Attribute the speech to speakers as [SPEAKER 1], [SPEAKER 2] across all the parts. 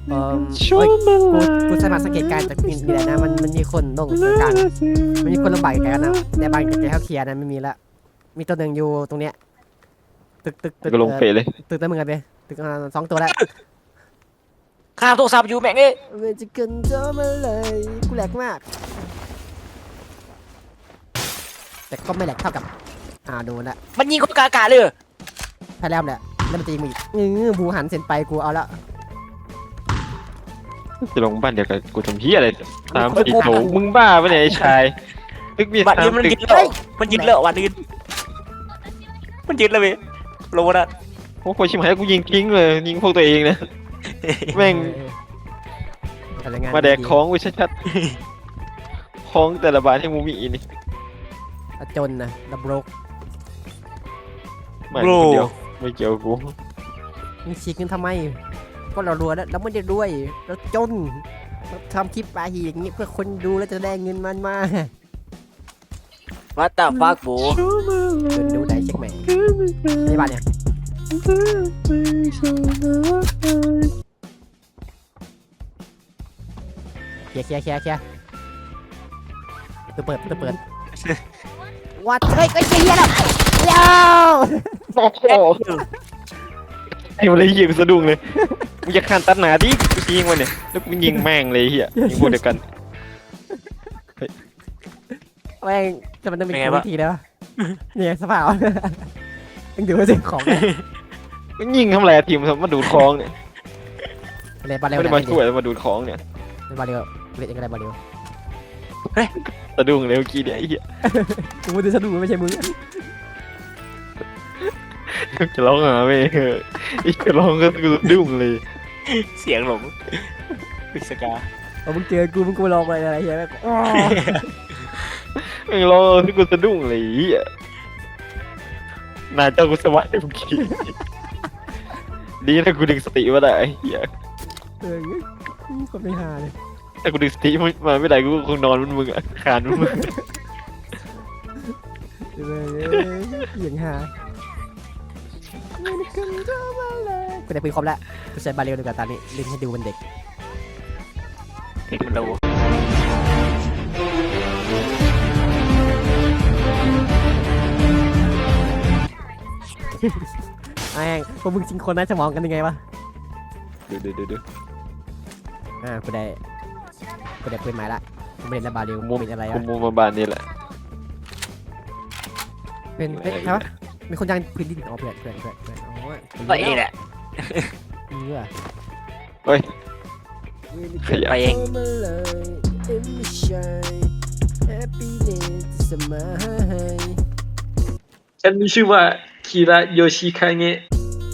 [SPEAKER 1] เออเฮ้ยกูสามารถสังเกตการณ์จากนี่แหละนะมันมีคนลงกลางมันมีคนลงบ่ายกันนะในบ้านใกล้ๆเขาเคลียร์นะไม่มีละมีตัวหนึ่งอยู่ตรงเนี้ยตึก
[SPEAKER 2] ก็ลงเฟซเลย
[SPEAKER 1] ตึกนั้นมึงกันไปตึกสองตัวแล้ว
[SPEAKER 3] ข้ามโทรศัพท์อยู่แม่งเอ้ย
[SPEAKER 1] เวจิกันเจอมาเลยกูแหลกมากแต่ก็ไม่แหลกเท่ากับโดนละ
[SPEAKER 3] มันยิงคนกลางอากาศเลยเหรอ
[SPEAKER 1] แพ้แล้วแหละแล้วมันจะยิงมึงอีกบูหันเส้นไปกูเอาละ
[SPEAKER 2] จะลงบ้านเดียวกับกูทำเฮียอะไรตามติดโถมึงบ้าปะเนี่ยไอ้ชายตึกมี
[SPEAKER 3] บัตร
[SPEAKER 2] ตา
[SPEAKER 3] นี้
[SPEAKER 2] ม
[SPEAKER 3] มัน
[SPEAKER 2] ตึก
[SPEAKER 3] ยึดแล้วมันยึดแล้ววันนี้มันยึดแล้วเว้ยโลนะ
[SPEAKER 2] โอ้โหชิมหายกูยิงทิ้งเลยยิงพวกตัวเองนะแม่งมาแดกของกูชัดๆของแต่ละบาทให้มูมีนี่
[SPEAKER 1] จนนะดับโรก
[SPEAKER 2] ไม่คนเดียวไม่เกี่ยวกู
[SPEAKER 1] มึงฉีกเงินทำไมก็เรารวยแล้วเราไม่ได้รวยเราจนเราทำคลิปปาหีอย่างนี้เพื่อคนดูแล้วจะได้เงินมันมา
[SPEAKER 3] วัดตาฟักบู
[SPEAKER 1] เดินดูได้เช็คแม่ในบ้านเนี่ยเคลียร์ตัวเปิดวัดเฮ้ยก็เคลียร์แล้วเร็ว
[SPEAKER 2] โอ้โหไอ้อะไรเหี้ยกูสะดุ้งเลยมึงจะขันตัดหนาดิกูยิงมันเนี่ยแล้วกูยิงแม่งเลยเหี้ยยิงพวกเดียวกัน
[SPEAKER 1] แม่งจะมันต้องมีวิธีแล้วเนี่ยสภาพยังดูว่าสิ่งของ
[SPEAKER 2] มันยิงทำไรทีมมาดูดคลองเนี่ย
[SPEAKER 1] อะไรบอลเร็ว
[SPEAKER 2] ไม่ได้มาช่วยมาดูดคลองเนี่ย
[SPEAKER 1] บอลเร็วเล่นอะไรบอลเร็ว
[SPEAKER 2] สะดุ้งเลยเมื่อกี้เนี่ยไอ้เหี้ย
[SPEAKER 1] กูไม่ได้สะดุ้งไม่ใช่มึง
[SPEAKER 2] จะร้องหาไม่อีกจะร้องก็สะดุ้งเลย
[SPEAKER 3] เสียงหลงพิสกา
[SPEAKER 1] เอามึงเจอกูมึงกูลองไปอะไรเงี้ยแบบ
[SPEAKER 2] ไม่ร้องที่กูสะดุ้งเลยไอ้เหี้ยน่าเจ้ากูสวัสดิ์เมื่อกี้ดีนะกูดึงสติมาได้ไอ้เหี้ย
[SPEAKER 1] คนไม่หาเลย
[SPEAKER 2] ถ้ากูดึงสติมาไม่ได้กูคงนอนมันมึงอะคานมันมึง
[SPEAKER 1] อย่างหากูได้ปืนครบแล้วกูใช้บาเรลดีกว่าตอนนี้เล่นให้ดูเป็นเด็ก
[SPEAKER 3] เด็กมันดู
[SPEAKER 1] แม่งพวกมึงจริงคนน่าจะมองกันยังไงวะ
[SPEAKER 2] ดู
[SPEAKER 1] กูได้ปืนใหม่ละกูไม่เล่นแล้วบาเรลเป็นอะไร
[SPEAKER 2] กู
[SPEAKER 1] วะ
[SPEAKER 2] มูมาบ้านนี่แหละ
[SPEAKER 1] เป็นใช่ปะมีคนยังพื้นดินอ๋อเพื่อนอ๋อ
[SPEAKER 3] ไปเองแหละ
[SPEAKER 1] นี่ว่ะ
[SPEAKER 2] เฮ้ยขยะ
[SPEAKER 3] ไปเอง
[SPEAKER 2] ฉันมีชื่อว่าคีระโยชิคาเงะ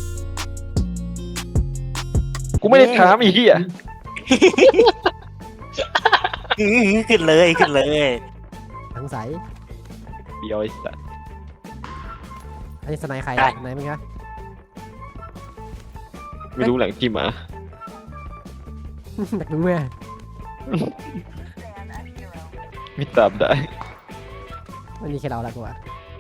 [SPEAKER 2] กูไม่ได้ถามอีกที่อ่ะ
[SPEAKER 3] ขึ้นเลยขึ้นเลย
[SPEAKER 1] สงสัย
[SPEAKER 2] เบียวไอ้สัส
[SPEAKER 1] อันนี้สไนใครสไนมึงคะ
[SPEAKER 2] ไม่รู้แหล่งที่มา
[SPEAKER 1] อยากรู้ไหม
[SPEAKER 2] ไม่ตามได้
[SPEAKER 1] มันมีแค่เราละกูอ่ะ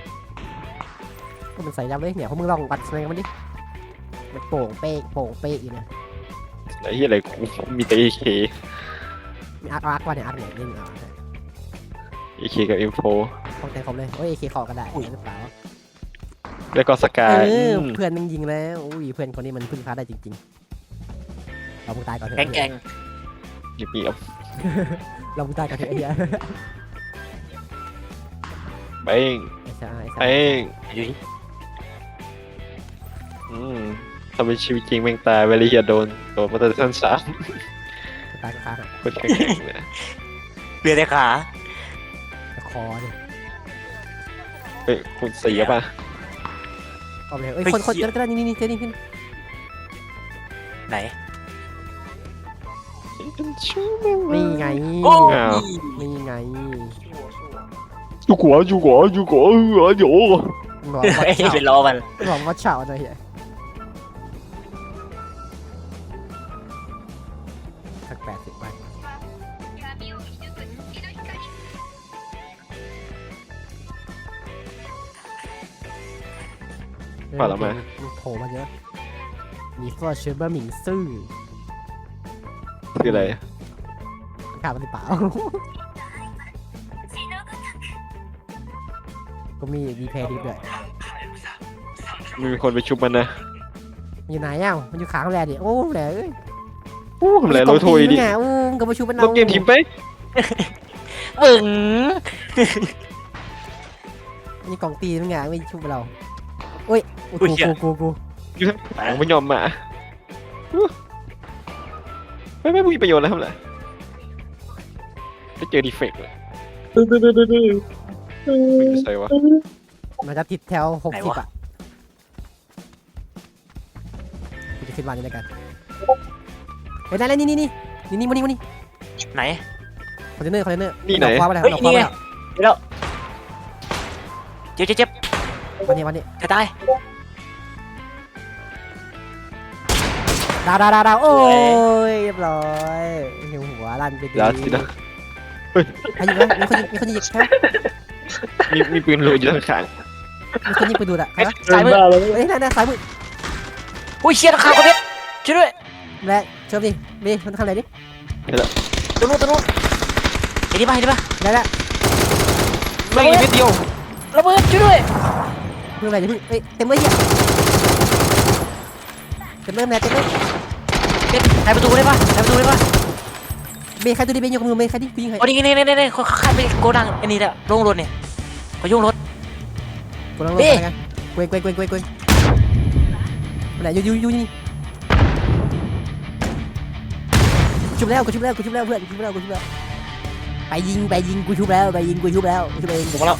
[SPEAKER 1] ก็มันใส่ยับเลยเนี่ยพวกมึงลองวัดสไนกันมันดิมันโป่งเป๊กอยู่นะ
[SPEAKER 2] ไอ้เหี้ยอะไรกูมีแต่ AK
[SPEAKER 1] มีอาร์คว่าเนี่ยอาร์คเนี่ยนี่อาร์ค
[SPEAKER 2] AK กับ M4
[SPEAKER 1] ต้องแต่งครบเลยโอ้ยเคขอก็ได้หรือเปล่า
[SPEAKER 2] แล้วก็สกาย
[SPEAKER 1] เพื่อนมึงยิงแล้วอุ้ยเพื่อนคนนี้มันพึ่งพาได้จริงๆเรามึงตายก่อนเถอะ
[SPEAKER 3] แกง
[SPEAKER 2] เงียบ
[SPEAKER 1] เรามึงตายก่อนเถอะไอ้เหี้ย
[SPEAKER 2] ๆเป้ง
[SPEAKER 1] ไอ้ชาย
[SPEAKER 2] เป้ง
[SPEAKER 3] อยู่
[SPEAKER 2] ทำเป็นชีวิตจริงแม่งตายไปเลยอย่าโดนมาแต่ชั้น 3
[SPEAKER 1] ตายก็ขาหัก
[SPEAKER 2] คนแข็งๆเลย
[SPEAKER 3] เบียร์ในขา
[SPEAKER 1] คอดิ
[SPEAKER 2] เฮ้ยคุณเสียป่ะ
[SPEAKER 1] เอาไปเลยเอ้ยคนก็ได้นี่เจนี่ขึ้น
[SPEAKER 3] ไหน
[SPEAKER 1] นี่ไง
[SPEAKER 3] โอ้
[SPEAKER 1] นี่ไง
[SPEAKER 2] อยู่ขวาเออเดี๋ยว
[SPEAKER 1] บอกว่า
[SPEAKER 3] เอ้ย
[SPEAKER 1] เฉา
[SPEAKER 3] เป็นล้อมัน
[SPEAKER 1] บอกว่าเฉาหน่อยเหี้ยสัก80ไปโผล่มาเยอะมีฟอร์เชอร์เบอร์หมิงซื่อ
[SPEAKER 2] คืออะไร
[SPEAKER 1] ขาดมันหรือเปล่าก็มีดีเพย์ดิฟด้วย
[SPEAKER 2] มีคนไปชุบมันนะ
[SPEAKER 1] มันอยู่ไหนอ่ะมันอยู่ขางแหลดิโอ้แหลเอ้ย
[SPEAKER 2] โอ้ทำไรเราโทยดิ
[SPEAKER 1] ไงอู้ก็มาชูมัน
[SPEAKER 2] ล
[SPEAKER 1] เอา
[SPEAKER 2] งเกมทีมไป
[SPEAKER 3] บึ้ง
[SPEAKER 1] มีกล่องตีมันไงไม่ชูเราโอ้ยกู
[SPEAKER 2] อยู่ทั้งหลังไม่ยอมมาไม่มีประโยชน์แล้วทำไรไปเจอดีเฟกต์เลยใส่วะ
[SPEAKER 1] มันจะติดแถว60อ่ะกูจะขึ้นมานี่แล้วกันเฮ้ยได้แล้วนี่มานี่
[SPEAKER 3] ไหน
[SPEAKER 1] คอนเทนเนอร์คว้าไปแล้ว
[SPEAKER 3] เฮ้ยนี่ไงเดี๋ยวเจ็บ
[SPEAKER 1] วันนี้
[SPEAKER 3] จะตาย
[SPEAKER 1] ดาวโอ้ยเรียบร้อยหิวหัวลั่นไปดี
[SPEAKER 2] ยาสินะ
[SPEAKER 1] ใครยิงนะมีคนยิงใช่ไหม
[SPEAKER 2] มีปืนรูอยู่ข้าง
[SPEAKER 1] มีคนยิงปืนดูดอ่ะใครวะ
[SPEAKER 3] สายมือ
[SPEAKER 1] เฮ้ยนั่นซ้ายมือ
[SPEAKER 3] อุ้ยเชี่ยราคาคนเด็ดช่วยด้วย
[SPEAKER 1] และเชิญดิบีมันทำอะไรดิ
[SPEAKER 3] ตัวนู้นเห็นดิป่ะ
[SPEAKER 1] ได้แล้ว
[SPEAKER 2] ๆไม่นิดเดียว
[SPEAKER 3] ระเบิดช่วยด้วย
[SPEAKER 1] เพิ่งอะไรดิเฮ้ยเต็มเลยเหี้ยเต็มเลยแม่เต็มเลย
[SPEAKER 3] ใครประตูได้ป่ะ
[SPEAKER 1] เบย์ใครตัวดิเบย์ยกมือเบย์ใครดิกูยิงใคร
[SPEAKER 3] โอ้นี่เขาข้ามไปโกดังอันนี้แหละลงรถเนี่ยเขายุ่งรถ
[SPEAKER 1] กูลองลงไปกันเกวงมันไหนอยู่นี่ชุบแล้วเพื่อนชุบแล้วไปยิงกูชุบแล้วเอง
[SPEAKER 3] ผมแล้ว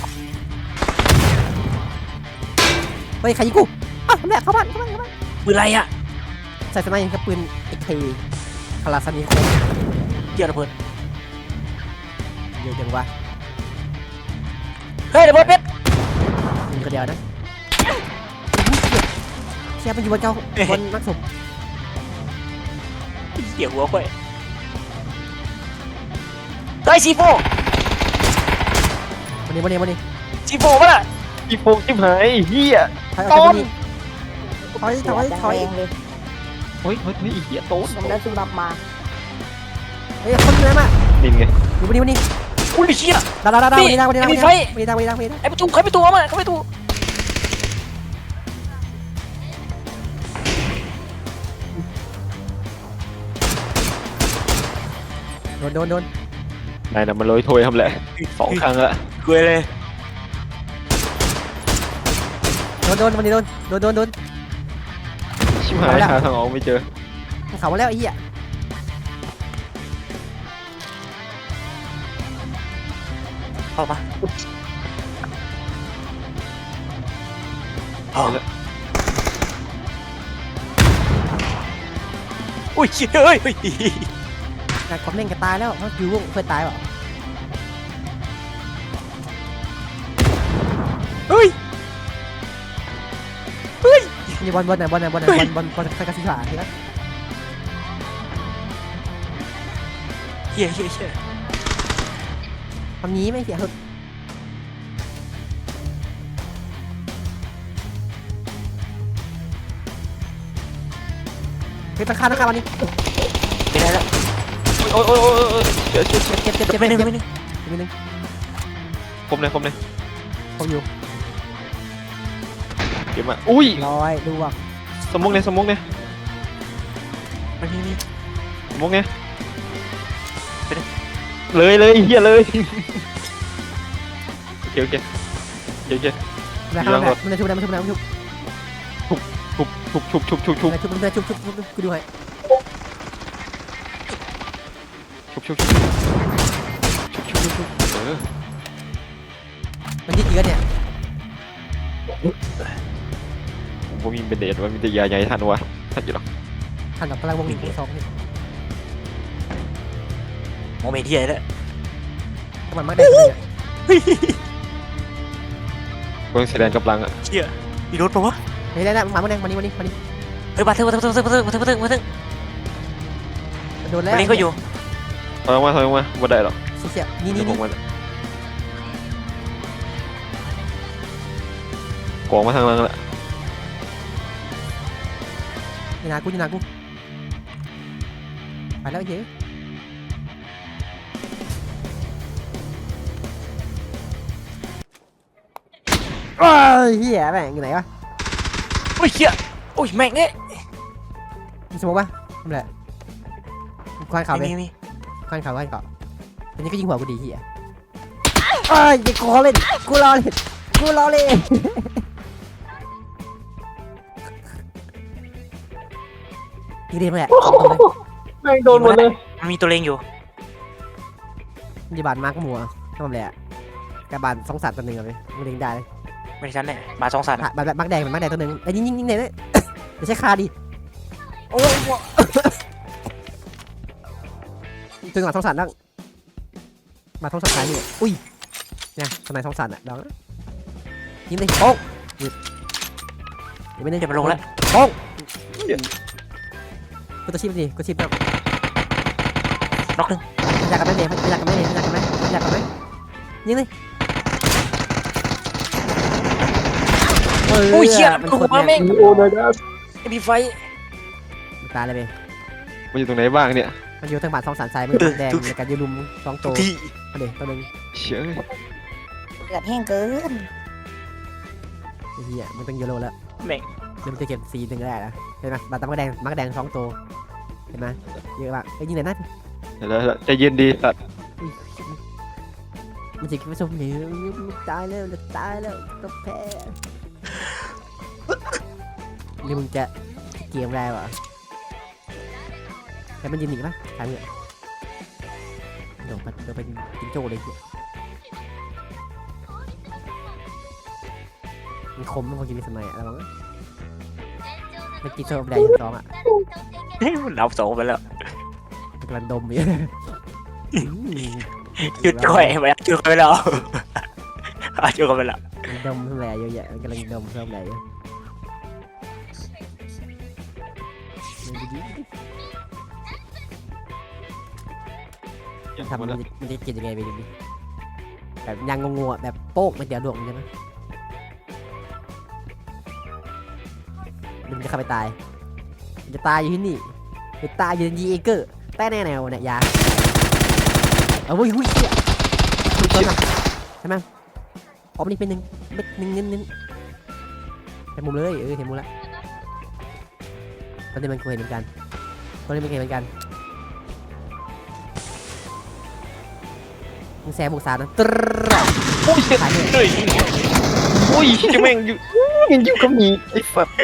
[SPEAKER 1] เฮ้ยใครยิงกูอ้าวแม่เข้าบ้าน
[SPEAKER 3] ปืนอะไรอ่ะ
[SPEAKER 1] ใส่สไนด์กับปืนเอ็กเคคาราซานิโค
[SPEAKER 3] เกี่ยวระเบิด
[SPEAKER 1] เยอะจังวะ
[SPEAKER 3] เฮ้ยระเบิดเป็ด
[SPEAKER 1] ยิงคนเดียวนะเชียร์มันอยู่บนเก้าบนนักสม
[SPEAKER 3] เกี่ยวหัวค่อยเฮ้ยซีโฟ
[SPEAKER 1] วันนี้
[SPEAKER 3] ซีโฟป่ะล่ะ
[SPEAKER 2] อีโฟกชิบหายเฮีย
[SPEAKER 1] ถอย
[SPEAKER 2] โฮ้ยอีเหี้ยโต้น
[SPEAKER 4] ผมได้ซุ่มรับมา
[SPEAKER 1] เฮ้ยคนนั้นอ่ะ
[SPEAKER 2] นินไง
[SPEAKER 1] อยู่วันนี้
[SPEAKER 3] อุ้ยเชี่ย
[SPEAKER 1] ดาววันนี้
[SPEAKER 3] ไอ้ประตูเขาประตูเอามาเขาประตู
[SPEAKER 1] โดน
[SPEAKER 2] นายน่ะมันโรยโทยทำแหละ2 ครั้งละ
[SPEAKER 3] เกลือเลย
[SPEAKER 1] โดนวันนี้โดน
[SPEAKER 2] ชิบหายหาทางออกไม่เจอ
[SPEAKER 1] เขามาแล้วไอ้เหี้ย
[SPEAKER 3] เข้ามา อุ้ยเฮ้ย
[SPEAKER 1] นายคอมเมนต์ก็ตายแล้วเขาอยู่วงเคยตายเปล่า
[SPEAKER 3] เฮ้ย
[SPEAKER 1] มีบอลใครกระสิบาทีละ
[SPEAKER 3] เฮีย
[SPEAKER 1] ทำนี้ไม่เสียหึเฮ้ยตะคาวันนี้
[SPEAKER 3] เป็นไรแล้ว
[SPEAKER 2] โอ้ยเจ็บ
[SPEAKER 1] เจ็บ
[SPEAKER 3] ไม่นึง
[SPEAKER 2] ผมเลย
[SPEAKER 1] ผมอยู่
[SPEAKER 2] เก็บมาอุ้ย
[SPEAKER 1] ร้อยดูว่ะ
[SPEAKER 2] สมมุกเนี่ย
[SPEAKER 3] มันมี
[SPEAKER 2] สมมุกเนี่ยเลยเฮียเลยโอเค
[SPEAKER 1] แล้วมันจะชุบชุบกูดูให้
[SPEAKER 2] ชุบเออ
[SPEAKER 1] มันที่เยอะเนี่ย
[SPEAKER 2] ผมมีเป็นเดทว่ามีแต่ยาใหญ่ทันวะทันอยู่หรอ
[SPEAKER 1] หันกับพลังวงหนึ่งสองนี่
[SPEAKER 3] โมเมนต์ที่ไหนแล้ว
[SPEAKER 1] มันมากได้เลย
[SPEAKER 2] เบิ้งแสดงกำลังอ่ะ
[SPEAKER 3] เชี่ยมีรถปะวะ
[SPEAKER 1] เฮ้ยได้มาเมื่อไหร่วันนี้
[SPEAKER 3] เฮ้ยมาถึง
[SPEAKER 1] โดนแล้ว
[SPEAKER 3] วันนี้ก็อยู่
[SPEAKER 2] ถอยมาบ่ได้หรอก
[SPEAKER 1] เสียนี่
[SPEAKER 2] ผมมันกองมาทางล่างละ
[SPEAKER 1] อยู่นากูไปแล้วเย้โอ้ยเฮียแม่งอยู่ไหนวะ
[SPEAKER 3] โอ้ยเฮียโอ้ยแม่งเอ้ย
[SPEAKER 1] มีสมองปะทำไรควันเขาไป
[SPEAKER 3] มี
[SPEAKER 1] ควันเขาอันนี้ก็ยิงหัวกูดีเฮียเอ้ยอย่ากูเล่นกูรอเล่นยิงเรียนมาแหละ
[SPEAKER 2] แม่งโดนหมดเลย
[SPEAKER 3] มันมีตัวเลงอยู่
[SPEAKER 1] ดีบานมากหมัวทำไรอ่ะกระบาลสองสัตว์ตัวหนึ่งเอาไปมึงเล่นได้เลย
[SPEAKER 3] ไม่ใช่ฉันเนี่ยมา2 สัตว์
[SPEAKER 1] แบบมักแดงตัวหนึ่งไอ้ยิงไหนเลยไม่ใช่คาดิโอ้ยตัวหลังสองสัตว์นั่งมาท้องสัตว์ท้ายนี่อุ้ยเนี่ยทำไมท้องสัตว์อ่ะลองยิงเลยโป๊กหยุดอย่าไปเล่น
[SPEAKER 3] เดี๋ยวมันลงแล้ว
[SPEAKER 1] โป๊กกูตัวชิปดิกูชิปแบบ
[SPEAKER 3] น็อกหนึ่ง
[SPEAKER 1] อยากกันไหมเนี่ยอยากกันไหมยิงเลย
[SPEAKER 3] โอ้ยเชี่ยมันหัวแม่ง
[SPEAKER 2] โอ้ยนะ
[SPEAKER 3] ไอ้พี่ไฟ
[SPEAKER 1] ตายเลยเบ
[SPEAKER 2] มันอยู่ตรงไหนบ้างเนี่ย
[SPEAKER 1] มันอยู่ทางบ้านสองสันทรายมันแดงในการยืนลุมสองตัว
[SPEAKER 3] ที่
[SPEAKER 1] มาเด็กตัวหนึ่ง
[SPEAKER 2] เชื่อ
[SPEAKER 3] เลือดแห้งเกิน
[SPEAKER 1] ไอ้เหี้ยมันต้องยูโรแล้ว
[SPEAKER 3] แม่ง
[SPEAKER 1] เดี๋ยวมันจะเก็บสีหนึ่งได้นะเห็นไหมบาดตามักแดงสองตัวเห็นไหมเยอะมากไอ้ยิงไหนนั่น
[SPEAKER 2] แล้วใจเย็นดีสัตว์
[SPEAKER 1] มันจะคิดว่าชมหนีตายแล้วต้องแพ้นี่มึงจะเกมได้ปะแต่มันยืนหนีปะทางเงี้ยเดี๋ยวไปกินโจ้เลยมันคมมันพอกินในสมัยอะไรบ้างมันกินโจ้แดงสองอ่ะ
[SPEAKER 3] เฮ้ยมันเอา2ไปแล้ว
[SPEAKER 1] กำลังดมอยู่
[SPEAKER 3] จุดก่อยไปแล้วจุดก่อยไปแล้วจุดก่อยไปแล้ว
[SPEAKER 1] ดมเท่าไหร่เยอะแยะกำลังดมเท่าไหร่ทำมันจะกินยังไงไปดูดิแบบยังงงๆแบบโป๊กมันเดี๋ยวดวงใช่ไหมมันจะเข้าไปตายมันจะตายอยู่ที่นี่จะตายอยู่ในยีเอเกอร์แต่แน่แนวเนี่ยยาเอาเว้ยหุ้ยเชี่ยใช่ไหมอ๋อมันนี่เป็นหนึ่งเม็ดหนึ่งเน้นเห็นมุมเลยเห็นมุมละตอนนี้มันเคยเห็นเหมือนกันมึงแซมบุกสารนะตร
[SPEAKER 2] โอ้ยเฮ้ยโอ้ยจะแม่งอยู่ยังอยู่กับหมีไอ้สัตว์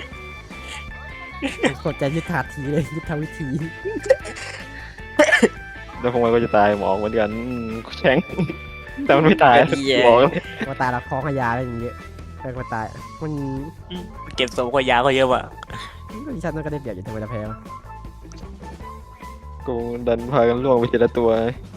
[SPEAKER 1] กดใจยึดถาดทีเลยยึดทำวิธี
[SPEAKER 2] แล้วพวกมันก็จะตายหมองเหมือนกันแข็งแต่มันไม่ตายบอกเลย
[SPEAKER 1] มาตายแล้วคล้องขยาอะไรอย่างเงี้ยไปมาตายมัน
[SPEAKER 3] เก็บสมกว่ายาก็เยอะว่ะ
[SPEAKER 1] ดิฉันก็ได้เปรียบอยู่ทำไมเราแพ้
[SPEAKER 2] กูดันพากันล่วงไปทีละตัว